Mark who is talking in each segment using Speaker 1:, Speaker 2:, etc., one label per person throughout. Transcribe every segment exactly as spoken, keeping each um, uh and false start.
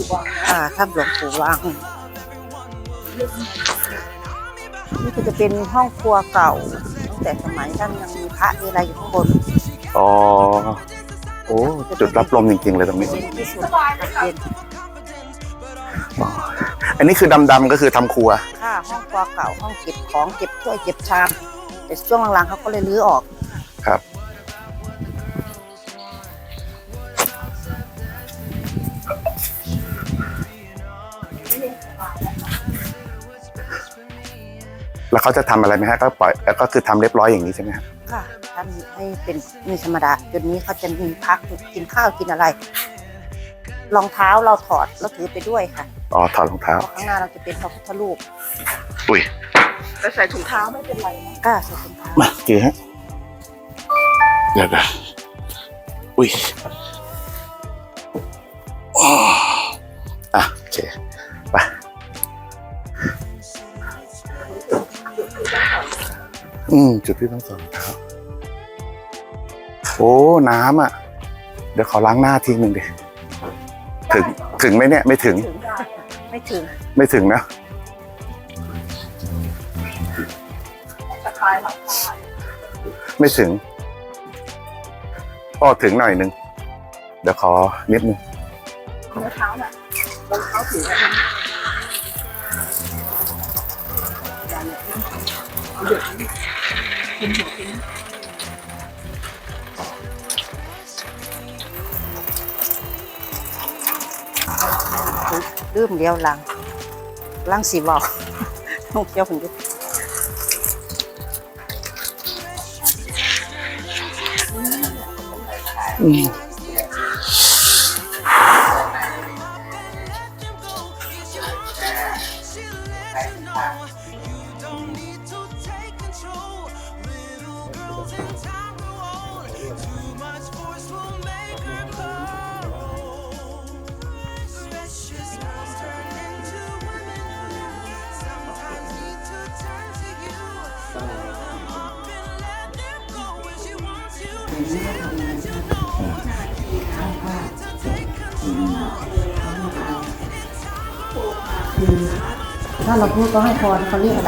Speaker 1: อ่าถ้ำหลวงปู่วังนี่ก็จะเป็นห้องครัวเก่าตั้งแต่สมัยท่านยังมีพระมีอะไรอยู่ข้างบน
Speaker 2: อ๋อโอ้จุดรับลมจริงๆเลยตรงนี้
Speaker 1: เย็นที่สุดเย็น
Speaker 2: อันนี้คือดำๆก็คือทำครัว
Speaker 1: ค่ะห้องครัวเก่าห้องเก็บของเก็บถ้วยเก็บชามแต่ช่วงหลังๆเขาก็เลยรื้อออก
Speaker 2: ครับแล้วเขาจะทำอะไรไหมฮะก็ปล่อยแล้วก็คือทำเรียบร้อยอย่างนี้ใช่ไหมครับ
Speaker 1: ค่ะทำให้เป็นมีธรรมดาจนนี้เขาจะมีพักกินข้าวกินอะไรรองเท้าเราถอดแล้วถือไปด้วยค่ะ
Speaker 2: อ๋อถอดรองเท้า
Speaker 1: ข้างหน้าเราจะเป็นพระพุทธรูป
Speaker 2: อุ้ย
Speaker 1: แต่ใส่ถุงเท้าไม่เป็นไรนะกล้าใส่ถุงเท้า
Speaker 2: มาเกี่ยฮะเดี๋ยวนะอุ้ยอ่ะโอเคไปอืมจุดที่ต้องใส่รองเท้าโอ้น้ำอ่ะเดี๋ยวขอล้างหน้าทีหนึ่งดิถึงถึงไหมเนี่ยไม่ถึง
Speaker 1: ไม่ถึง
Speaker 2: ไม่ถึงนะไม่ถึงก็ถึงหน่อยนึงเดี๋ยวขอนิดนึง
Speaker 1: รองเท้าน่ะรองเท้าถือลืมเดียวหลังหลังสีบอกน้องเที่ยวคนเดียว
Speaker 2: อืม
Speaker 1: ถ้าเราพูดก็ให้พรเขาเรียกอะไร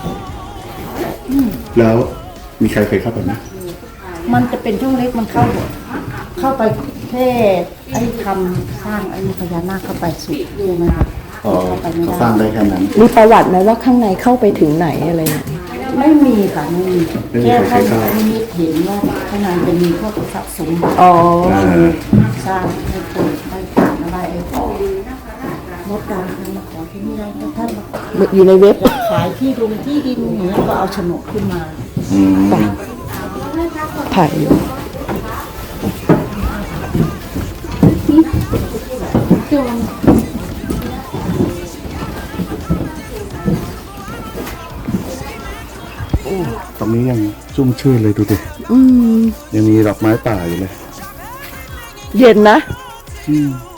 Speaker 2: แล้วมีใครเคยเข้าไปไหม
Speaker 1: มันจะเป็นช่วงเล็กมันเข้าเข้าไปแค่ไอ้ทำสร้างไอ้พญานาคเข้าไปสุดใช่ไหมคะ
Speaker 2: เข้าไปไม่ได้สร้างได้แค่นั้น
Speaker 3: มีประวัติไหมว่าข้างในเข้าไปถึงไหนอะไรอย่างนี้
Speaker 1: ไม่มีค่ะไม่มีแค่ท่านมีเห็นว่าข้างในจะมีพวกทรัพย์สมบัติ
Speaker 3: อ๋อ
Speaker 1: สร้างให้เปิดให้ผ่านอะไรไอ้มดดำมาขอที่นี่ได้ท่าน
Speaker 3: อยู่ในเว็บ
Speaker 1: ขายที่ดินที่ดินอย่างเงี้ยก็เอาโฉนดขึ้นมา
Speaker 3: ถ่ายอยู่
Speaker 2: ตรงนี้ยังชุ่มชื่นเลยดูดิยังมีดอกไม้ป่าอยู่เลย
Speaker 3: เย็นนะ
Speaker 2: อืม